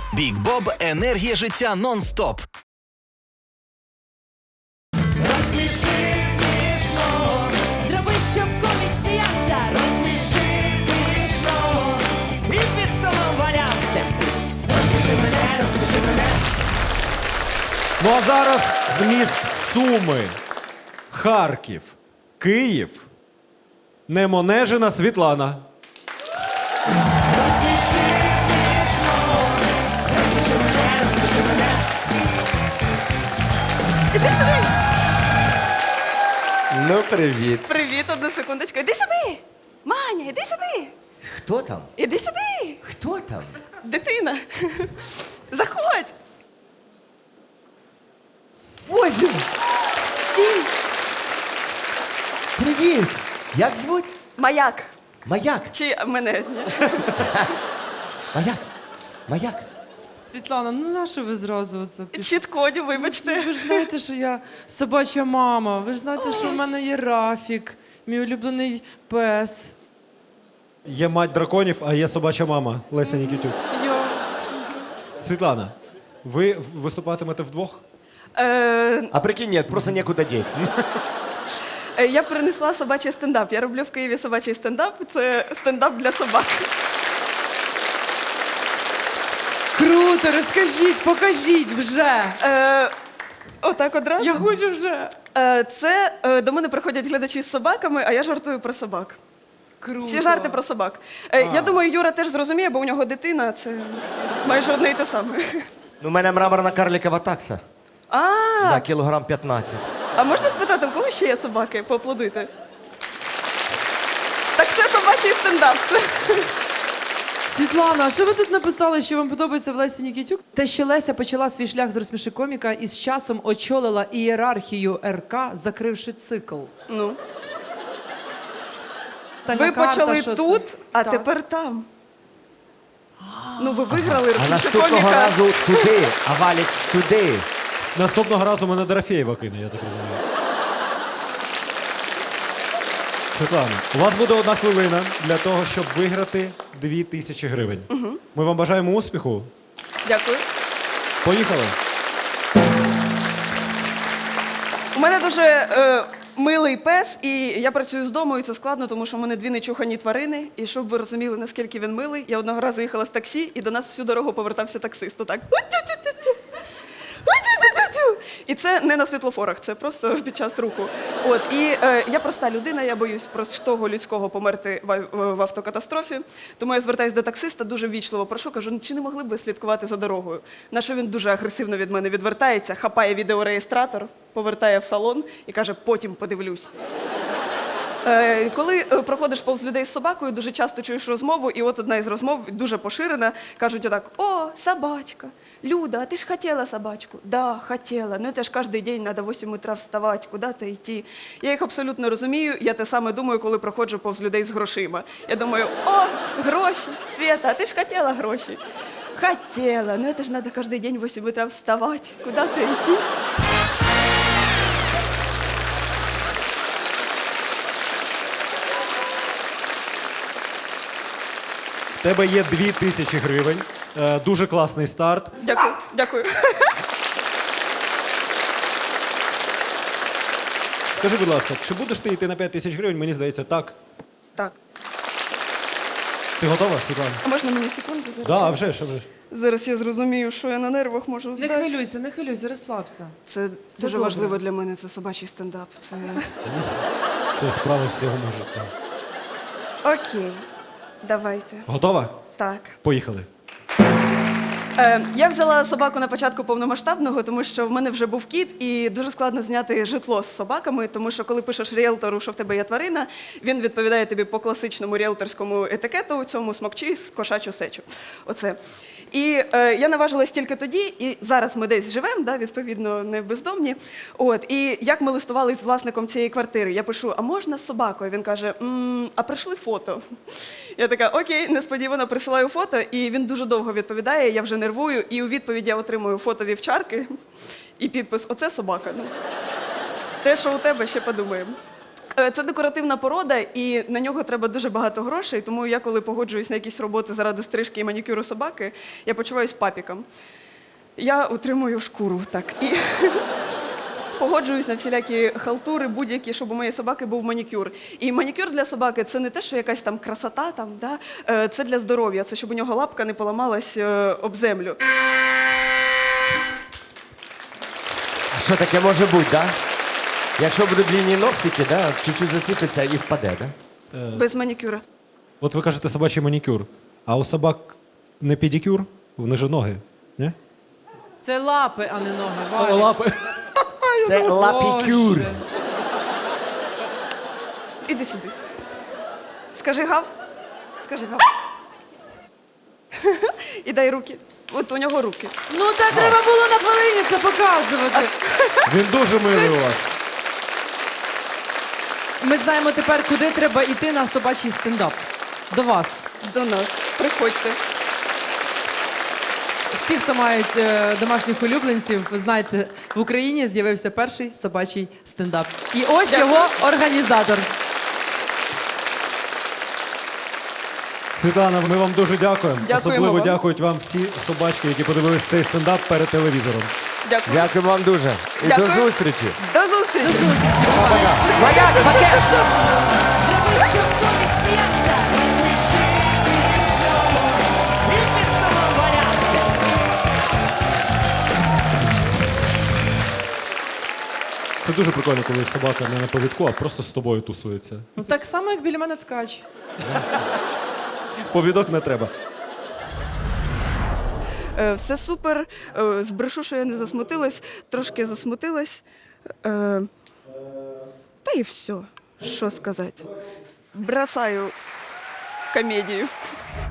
Бік Боб – енергія життя нон-стоп. Розсміши смішно, зроби, щоб комік сміявся. Розсміши смішно, і під столом валявся. Розсміши мене. Ну а зараз з міст Суми, Харків, Київ, Немонежина Світлана. Розсміши смішно, розсміши мене. Іди сюди. Ну, привіт. Привіт, одну секундочку. Іди сюди. Маня, іди сюди. Хто там? Іди сюди. Хто там? Дитина. Заходь. Озі! Стій. Привіт! Як звуть? Маяк. Маяк. Чи мене? Ні. Маяк. Маяк. Світлана, ну нащо ви зразу це пішли? Чіткодю, вибачте. Ви ж знаєте, що я собача мама. Ви ж знаєте, що в мене є Рафік, мій улюблений пес. Є мать драконів, а є собача мама Леся Нікітюк. Я... Світлана, ви виступатимете вдвох? А прикинь, нет, просто некуда деть. Я принесла собачий стендап. Я роблю в Києві собачий стендап. Це стендап для собак. Круто, розкажіть, покажіть вже. Отак одразу. Я хочу вже. Це до мене приходять глядачі з собаками, а я жартую про собак. Круто. Всі жарти про собак. Я думаю, Юра теж зрозуміє, бо у нього дитина, це майже одне і те саме. Ну, у мене мраморна карликова такса. Да, кілограм 15. А можна спитати, у кого ще є собаки? Поаплодуйте. Так це собачий стендап. Світлана, а що ви тут написали, що вам подобається в Лесі Нікітюк? Те, що Леся почала свій шлях з розсміши коміка і з часом очолила ієрархію РК, закривши цикл. Ну, Таня ви карта, почали що це? тут, а Так. тепер там. Ну, ви виграли А розсміши наступного коміка. разу туди, а Валік сюди. Наступного разу мене Дорофєєва кине, я так розумію. Світлана, у вас буде 1 хвилина для того, щоб виграти 2000 гривень. Ми вам бажаємо успіху. Дякую. Поїхали. У мене дуже милий пес, і я працюю з дому, і це складно, тому що в мене 2 нечухані тварини. І щоб ви розуміли, наскільки він милий, я одного разу їхала з таксі, і до нас всю дорогу повертався таксист. Отак. І це не на світлофорах, це просто під час руху. От, і я проста людина, я боюсь простого людського померти в автокатастрофі. Тому я звертаюся до таксиста, дуже ввічливо прошу, кажу, чи не могли б ви слідкувати за дорогою? На що він дуже агресивно від мене відвертається, хапає відеореєстратор, повертає в салон і каже, потім подивлюсь. Коли проходиш повз людей з собакою, дуже часто чуєш розмову, і от одна із розмов дуже поширена. Кажуть отак: «О, собачка! Люда, а ти ж хотіла собачку?» «Да, хотіла, но це ж кожен день треба в 8 утра вставати, куди-то йти». Я їх абсолютно розумію, я те саме думаю, коли проходжу повз людей з грошима. Я думаю, о, гроші, Света, а ти ж хотіла гроші? Хотіла, но це ж треба кожен день в 8 утра вставати, куди-то йти. В тебе є 2000 гривень. Дуже класний старт. Дякую, дякую. Скажи, будь ласка, чи будеш ти йти на 5000 гривень? Мені здається, так. Так. Ти готова, Світлана? А можна мені секунду зараз? Да, а вже ж, а вже ж. Зараз я зрозумію, що я на нервах можу Не здати. хвилюйся, розслабся. Це Все дуже добре. важливо для мене, це собачий стендап. Це... Це справа всього мого життя. Окей, давайте. Готова? Так. Поїхали. Я взяла собаку на початку повномасштабного, тому що в мене вже був кіт, і дуже складно зняти житло з собаками, тому що коли пишеш ріелтору, що в тебе є тварина, він відповідає тобі по класичному ріелторському етикету, цьому смокчи, кошачу сечу. Оце. І я наважилась тільки тоді, і зараз ми десь живемо, да, відповідно, не бездомні. От, і як ми листувалися з власником цієї квартири, я пишу, а можна з собакою? Він каже, а прийшли фото. Я така, окей, несподівано присилаю фото, і він дуже довго відповідає, я вже нервую, і у відповідь я отримую фото вівчарки і підпис «Оце собака». Ну, те, що у тебе, ще подумаємо. Це декоративна порода, і на нього треба дуже багато грошей, тому я, коли погоджуюсь на якісь роботи заради стрижки і манікюру собаки, я почуваюсь папіком. Я утримую шкуру, так, і погоджуюсь на всілякі халтури, будь-які, щоб у моєї собаки був манікюр. І манікюр для собаки – це не те, що якась там красота, там, да? Це для здоров'я, це щоб у нього лапка не поламалась об землю. А що таке може бути, да? Якщо будуть длинні ногтики, да, чуть-чуть заціпиться і впаде, да? Без манікюра. От ви кажете собачий манікюр, а у собак не педикюр? Вони ж ноги, ні? Це лапи, а не ноги. О, Валя. лапи. Це лапікюр. Боже. Іди сюди. Скажи гав. Скажи гав. І дай руки. От у нього руки. Ну так треба було на хвилині це показувати. Він дуже милий у вас. Ми знаємо тепер, куди треба йти на собачий стендап. До вас. До нас. Приходьте. Всі, хто мають домашніх улюбленців, ви знаєте, в Україні з'явився перший собачий стендап. І ось його організатор. Світлана, ми вам дуже дякуємо. Дякуємо Особливо вам. дякують вам всі собачки, які подивились цей стендап перед телевізором. Дякую. Дякую вам дуже. І Дякую. до зустрічі. До зустрічі. Валяк, пакет! Зроби, щоб комік сміявся, розсміши смішно, він під столом валявся. Це дуже прикольно, коли собака не на повідку, а просто з тобою тусується. Ну так само, як біля мене ткач. Повідок не треба. Все супер. Збрешу, що я не засмутилась. Трошки засмутилась. Та і все. Що сказати. Бросаю комедію.